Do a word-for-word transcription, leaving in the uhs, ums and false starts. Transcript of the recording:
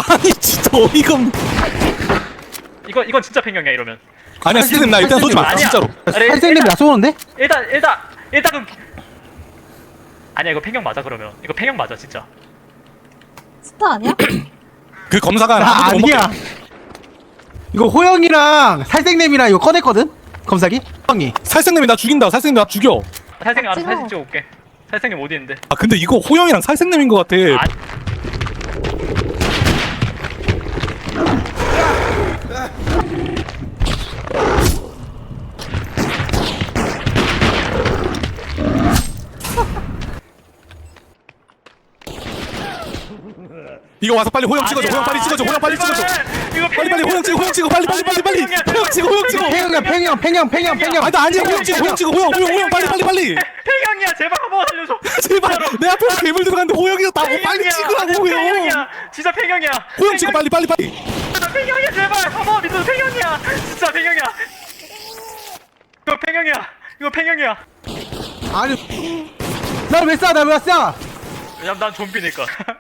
아니 진짜 어이가 없네. 이거 이건 진짜 팽경이야 이러면. 아니야 스님 나 일단 쏘지 마 아니야. 진짜로. 아니, 살생님이 일단- 나 쏘는데? 일단 일단 일단은 아니야 이거 팽경 맞아 그러면. 이거 팽경 맞아 진짜. 스타 아니야? 그 검사가 나 아무도 못 먹게. 아니야. 이거 호영이랑 살생님이랑 이거 꺼냈거든? 검사기? 형이. 살생님이 나 죽인다. 살생님 나 죽여. 살생님 알아서 찍어. 사진 찍어올게. 살생님 어디 있는데? 아 근데 이거 호영이랑 살생님인 것 같아. 아, 이거 와서 빨리 호영 찍어줘. 호영 빨리 찍어줘. 호영 빨리 찍어줘. 이거 빨리 빨리 호영 찍어. 호영 찍어. 빨리 빨리 빨리 빨리. 호영 찍어. 호영 찍어. 팽형, 팽형, 팽형, 팽형, 팽형. 아나 아니야. 호영 찍어. 호영 찍어. 호영 호영 호영 빨리 빨리 빨리. 팽경이야 제발 한번 살려줘. 제발 내 앞에서 괴물 들어갔는데 호영이가 나 빨리 팽경이야. 찍으라고 호영. 팽경이야. 진짜 팽경이야. 호영 찍어 빨리 빨리 빨리. 진짜 팽경이야 제발 한번 믿어. 팽경이야. 진짜 팽경이야. 이거 팽경이야. 이거 팽경이야. 아니. 나왜 쏴? 나왜 쏴? 왜냐면 난 좀비니까.